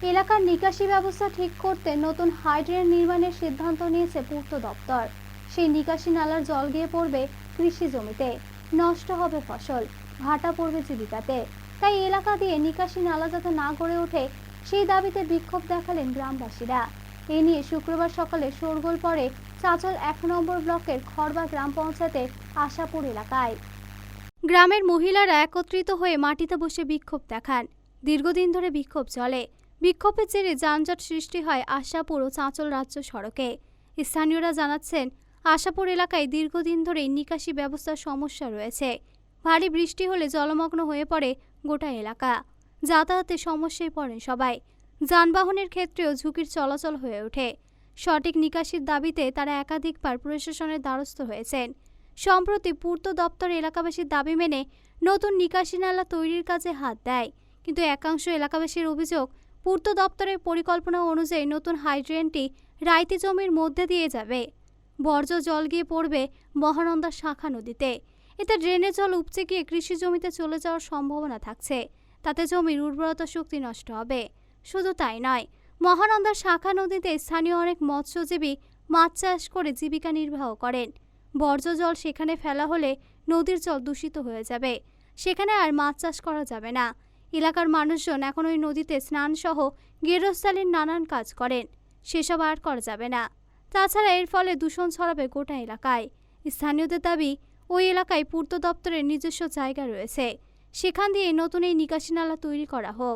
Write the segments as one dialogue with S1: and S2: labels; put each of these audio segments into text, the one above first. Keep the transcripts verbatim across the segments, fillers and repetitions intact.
S1: এলাকার নিকাশি ব্যবস্থা ঠিক করতে নতুন হাইড্রেন নির্মাণের সিদ্ধান্ত নিয়েছে পূর্ত দপ্তর। সেই নিকাশি নালার জল গিয়ে পড়বে কৃষি জমিতে, নষ্ট হবে ফসল, ভাটা পড়বে জীবিকাতে। তাই এলাকা দিয়ে নিকাশি নালা যাতে না গড়ে ওঠে সেই দাবিতে বিক্ষোভ দেখালেন গ্রামবাসীরা। এ নিয়ে শুক্রবার সকালে শোরগোল পড়ে চাঁচল এক নম্বর ব্লকের খড়বা গ্রাম পঞ্চায়েতের আশাপুর এলাকায়। গ্রামের মহিলারা একত্রিত হয়ে মাটিতে বসে বিক্ষোভ দেখান। দীর্ঘদিন ধরে বিক্ষোভ চলে। বিক্ষোভের জেরে যানজট সৃষ্টি হয় আশাপুর ও চাঁচল রাজ্য সড়কে। স্থানীয়রা জানাচ্ছেন, আশাপুর এলাকায় দীর্ঘদিন ধরে নিকাশি ব্যবস্থার সমস্যা রয়েছে। ভারী বৃষ্টি হলে জলমগ্ন হয়ে পড়ে গোটা এলাকা। যাতায়াতে সমস্যায় পড়েন সবাই। যানবাহনের ক্ষেত্রেও ঝুঁকির চলাচল হয়ে ওঠে। সঠিক নিকাশির দাবিতে তারা একাধিকবার প্রশাসনের দ্বারস্থ হয়েছেন। সম্প্রতি পূর্ত দপ্তর এলাকাবাসীর দাবি মেনে নতুন নিকাশি নালা তৈরির কাজে হাত দেয়, কিন্তু একাংশ এলাকাবাসীর অভিযোগ, পূর্ত দপ্তরের পরিকল্পনা অনুযায়ী নতুন হাইড্রেনটি রাইতি জমির মধ্যে দিয়ে যাবে। বর্জ্য জল গিয়ে পড়বে মহানন্দা শাখা নদীতে। এতে ড্রেনের জল উপচে গিয়ে কৃষি জমিতে চলে যাওয়ার সম্ভাবনা থাকছে। তাতে জমির উর্বরতা শক্তি নষ্ট হবে। শুধু তাই নয়, মহানন্দা শাখা নদীতে স্থানীয় অনেক মৎস্যজীবী মাছ চাষ করে জীবিকা নির্বাহ করেন। বর্জ্য জল সেখানে ফেলা হলে নদীর জল দূষিত হয়ে যাবে। সেখানে আর মাছ চাষ করা যাবে না। এলাকার মানুষজন এখন ওই নদীতে স্নান সহ গেরস্থালির নানান কাজ করেন। সেসব আর করা যাবে না। তাছাড়া এর ফলে দূষণ ছড়াবে গোটা এলাকায়। স্থানীয়দের দাবি, ওই এলাকায় পূর্ত দপ্তরের নিজস্ব জায়গা রয়েছে, সেখান দিয়ে নতুন এই নিকাশি নালা তৈরি করা হোক।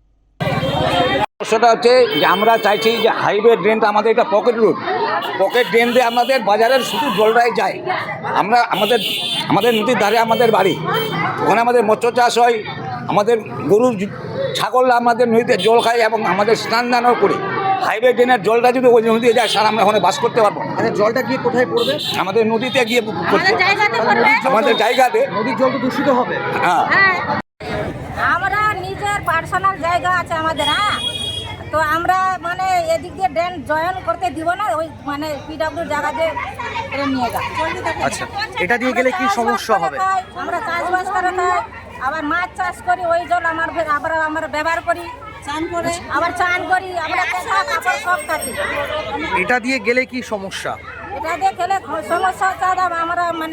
S2: সমস্যাটা হচ্ছে যে আমরা চাইছি যে হাইওয়ে ড্রেনটা আমাদের একটা পকেট রুট, পকেট ড্রেন দিয়ে আমাদের বাজারের শুধু জলটাই যায়। আমরা আমাদের আমাদের নদীর ধারে আমাদের বাড়ি, ওখানে আমাদের মৎস্য চাষ হয়, আমাদের গরু ছাগলরা আমাদের নদীতে জল খায় এবং আমাদের স্নান দানও করি। হাইওয়ে ড্রেনের জলটা যদি ওই নদীতে যায়, স্যার আমরা ওখানে বাস করতে পারবো না।
S3: আচ্ছা, জলটা গিয়ে কোথায় পড়বে?
S2: আমাদের নদীতে গিয়ে আমাদের জায়গাতে
S3: নদীর জল তো দূষিত হবে।
S2: হ্যাঁ,
S4: আমরা নিজের পার্সোনাল জায়গা আছে আমাদের। হ্যাঁ, তো আমরা মানে এদিক দিয়ে ড্রেন জয়েন করতে দিব না, ওই মানে পিডব্লিউ জায়গা দিয়ে ড্রেন নিয়ে যাও।
S3: আচ্ছা, এটা দিয়ে গেলে কি সমস্যা হবে?
S4: আমরা চাষবাস করে খাই, আবার মাছ চাষ করি, ওই জল আমার ফের আবার আমরা ব্যবহার করি, চান করে আবার চান করি, আমরা পোশাক কাপড় সব থাকি।
S3: এটা দিয়ে গেলে কি সমস্যা?
S4: এটা দিয়ে খেলে সমস্যা হচ্ছে আমরা মানে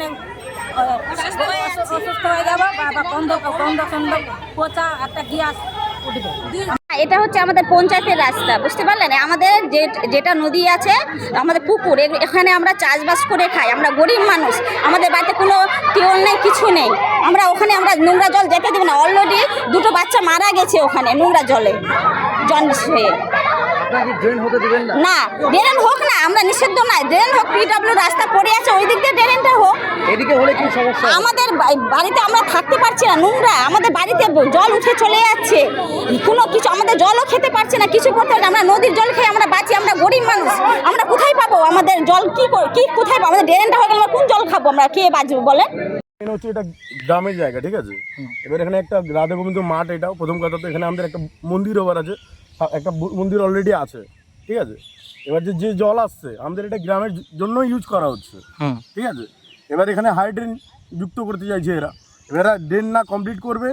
S4: অসুস্থ হয়ে যাবো, বা গন্ধ গন্ধ সন্ধ পচা একটা গ্যাস উঠবে।
S5: এটা হচ্ছে আমাদের পঞ্চায়েতের রাস্তা, বুঝতে পারলেন? আমাদের যে যেটা নদী আছে, আমাদের পুকুর, এখানে আমরা চাষবাস করে খাই। আমরা গরিব মানুষ, আমাদের বাড়িতে কোনো টিউবওয়েল নেই, কিছু নেই। আমরা ওখানে আমরা নোংরা জল যেতে দেব না। অলরেডি দুটো বাচ্চা মারা গেছে ওখানে নোংরা জলে জন্ডিস হয়ে।
S3: ড্রেন হতে দিবেন না?
S5: না, ড্রেন হোক না, আমরা নিষিদ্ধ নাই। ড্রেন হোক, পিডব্লিউ রাস্তা পড়ে আছে, ওই দিক দিয়ে ড্রেনটা হোক।
S3: এদিকে হলে কি সমস্যা?
S5: আমাদের বাড়িতে আমরা থাকতে পারছি না, নোংরা আমাদের বাড়িতে জল উঠে চলে যাচ্ছে। কোনো কিছু আমাদের জলও খেতে পারছে না, কিছু করতে পারছি না। আমরা নদীর জল খেয়ে আমরা বাঁচি, আমরা গরিব মানুষ। আমরা কোথায় পাবো আমাদের জল? কি কি কোথায় পাবো? আমাদের ড্রেনটা হয়ে গেলে আমরা কোন জল খাবো? আমরা খেয়ে বাঁচবো বলেন?
S6: হচ্ছে এটা গ্রামের জায়গা, ঠিক আছে। এবার এখানে একটা রাধা গোবিন্দ মাঠ, এটাও প্রথম কথা। তো এখানে আমাদের একটা মন্দির ওভার আছে, একটা মন্দির অলরেডি আছে, ঠিক আছে। এবার যে যে জল আসছে আমাদের এটা গ্রামের জন্য ইউজ করা হচ্ছে, ঠিক আছে। এবার এখানে হাই ড্রেন যুক্ত করতে চাইছে এরা। এরা ড্রেন না কমপ্লিট করবে,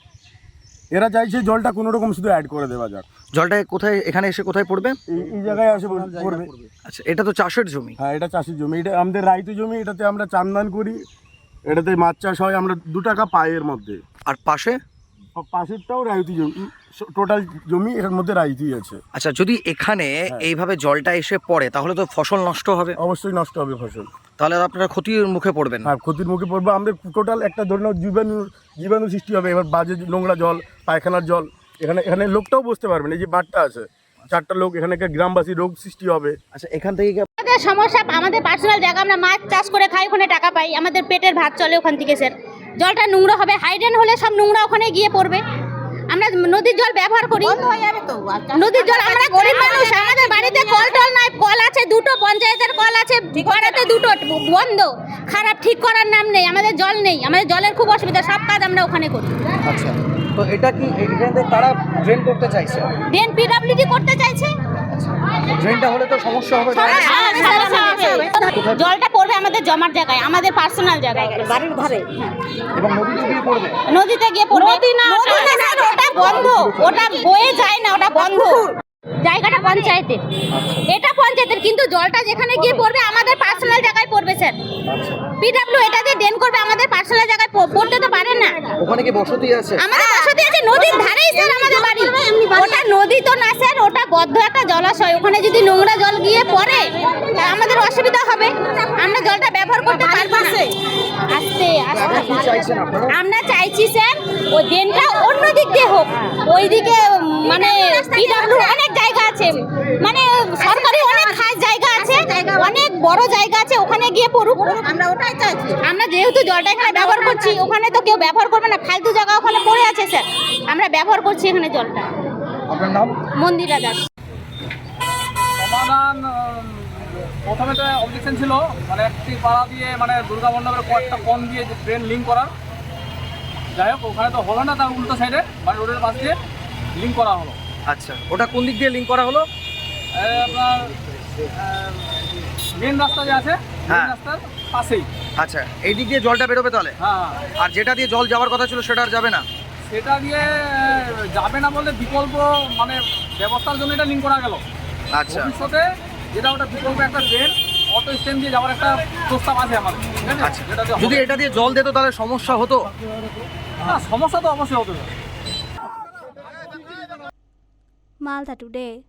S6: এরা চাইছে জলটা কোনো রকম শুধু অ্যাড করে দেওয়া যাক।
S3: জলটা কোথায় এখানে এসে কোথায় পড়বে?
S6: এই জায়গায় এসে পড়বে।
S3: আচ্ছা, এটা তো চাষের জমি।
S6: হ্যাঁ, এটা চাষের জমি, এটা আমাদের রাইতু জমি। এটাতে আমরা চান্দান করি, এটাতে মাছ চাষ হয়, আমরা দু টাকা পাই এর মধ্যে।
S3: আর পাশে
S6: পাশেরটাও রায়তি জমি, টোটাল জমি এর মধ্যে রায়তি আছে।
S3: আচ্ছা, যদি এখানে এইভাবে জলটা এসে পড়ে তাহলে তো ফসল নষ্ট হবে।
S6: অবশ্যই নষ্ট হবে ফসল।
S3: তাহলে আপনারা ক্ষতির মুখে পড়বেন।
S6: হ্যাঁ, ক্ষতির মুখে পড়বে। আমাদের টোটাল একটা ধরনের জীবাণু জীবাণু সৃষ্টি হবে। এবার বাজে নোংরা জল, পায়খানার জল, এখানে এখানে লোকটাও বসতে পারবে না। এই যে মাঠটা আছে, চারটা লোক, এখানে গ্রামবাসী রোগ সৃষ্টি হবে।
S3: আচ্ছা, এখান থেকে
S5: আমাদের সমস্যা, আমাদের পার্সোনাল জায়গা, আমরা মাছ চাষ করে খাই, ওখানে টাকা পাই, আমাদের পেটের ভাত চলে ওখান থেকে। স্যার, জলটা নোংরা হবে, হাইড্রেন হলে সব নোংরা ওখানে গিয়ে পড়বে। আমরা নদীর জল ব্যবহার করি, নদীর জল। আমরা গরিব মানুষ, আমাদের বাড়িতে কল টল নাই। কল আছে দুটো, পঞ্চায়েতের কল আছে, পাড়াতে দুটো বন্ধ, খারাপ, ঠিক করার নাম নেই। আমাদের জল নেই, আমাদের জলের খুব অসুবিধা। সব কাজ আমরা ওখানে করি।
S3: আচ্ছা, তো এটা কি এখানে তারা ড্রেন করতে চাইছে?
S5: ড্রেন পিডব্লিউডি করতে চাইছে।
S3: ড্রেনটা হলে তো সমস্যা হবে।
S5: জলটা পড়বে আমাদের জমার জায়গায়, আমাদের পার্সোনাল জায়গায়, বাড়ির ধারে।
S3: এবং নদীতে গিয়ে পড়বে।
S5: নদীতে গিয়ে পড়বে। নদী না, ওটা বন্ধ, ওটা বয়ে যায় না, ওটা বন্ধ। পঞ্চায়েতের, এটা পঞ্চায়েতের, কিন্তু জলটা যেখানে গিয়ে পড়বে আমাদের পার্সোনাল জায়গায় পড়বে স্যার। পিডব্লিউ এটা দিয়ে ড্রেন করবে, আমাদের পার্সোনাল জায়গায় প- পড়তে তো পারে না।
S3: ওখানে কি বসতি আছে?
S5: আমাদের বসতি আছে নদীর ধারেই স্যার আমাদের বাড়ি। ওটা নদী তো না স্যার, ওটা বদ্ধ একটা জলাশয়। ওখানে যদি নোংরা জল গিয়ে পড়ে তা আমাদের অসুবিধা হবে, আমরা জলটা ব্যবহার করতে পারবো না। আস্তে আস্তে
S3: কি চাইছেন আপনারা?
S5: আমরা চাইছি স্যার ওই ড্রেনটা অন্য দিক দিয়ে হোক, ওইদিকে মানে পিডব্লিউ অনেক জায়গা আছে, মানে সরকারি অনেক খাস জায়গা আছে, অনেক বড় জায়গা আছে, ওখানে গিয়ে পড়ুক। আমরা ওটাই চাইছি। আমরা যেহেতু জলটা এখানে ব্যবহার করছি, ওখানে তো কেউ ব্যবহার করবে না, ফালতু জায়গা ওখানে পড়ে আছে স্যার, আমরা ব্যবহার করছি এখানে জলটা।
S3: আপনার নাম?
S5: মন্দিরা দাস।
S7: সমাধান উম, প্রথমে তো অবজেকশন ছিল মানে একটি পাড়া দিয়ে মানে দুর্গা মণ্ডপের কয়েকটা কোণ দিয়ে ট্রেন লিঙ্ক করার। যাই হোক ওখানে তো হলো না, তার উল্টো সাইডে মানে রোডের পাশ দিয়ে লিঙ্ক করা হলো।
S3: আচ্ছা, ওটা কোন দিক দিয়ে লিঙ্ক করা হলো?
S7: এই আপনার মেন রাস্তা যে আছে মেন
S3: হ্যাঁ।
S7: রাস্তার পাশেই।
S3: আচ্ছা, এই দিক দিয়ে জলটা বেরোবে তাহলে?
S7: হ্যাঁ হ্যাঁ।
S3: আর যেটা দিয়ে জল যাওয়ার কথা ছিল সেটা আর যাবে না?
S7: সেটা দিয়ে আহ, যাবে না বলতে বিকল্প মানে ব্যবস্থার জন্য এটা লিঙ্ক করা গেল।
S3: আচ্ছা,
S7: ভবিষ্যতে যেটা ওটা বিকল্প একটা ট্রেন অটো স্ট্যান্ড দিয়ে যাওয়ার একটা প্রস্তাব আছে আমাদের, ঠিক আছে?
S3: আচ্ছা।
S7: যেটা দিয়ে
S3: যদি
S7: হবে।
S3: এটা দিয়ে জল দিত তাহলে সমস্যা হতো?
S7: হ্যাঁ, সমস্যা তো অবশ্যই হতে পারে।
S1: মালদা টুডে।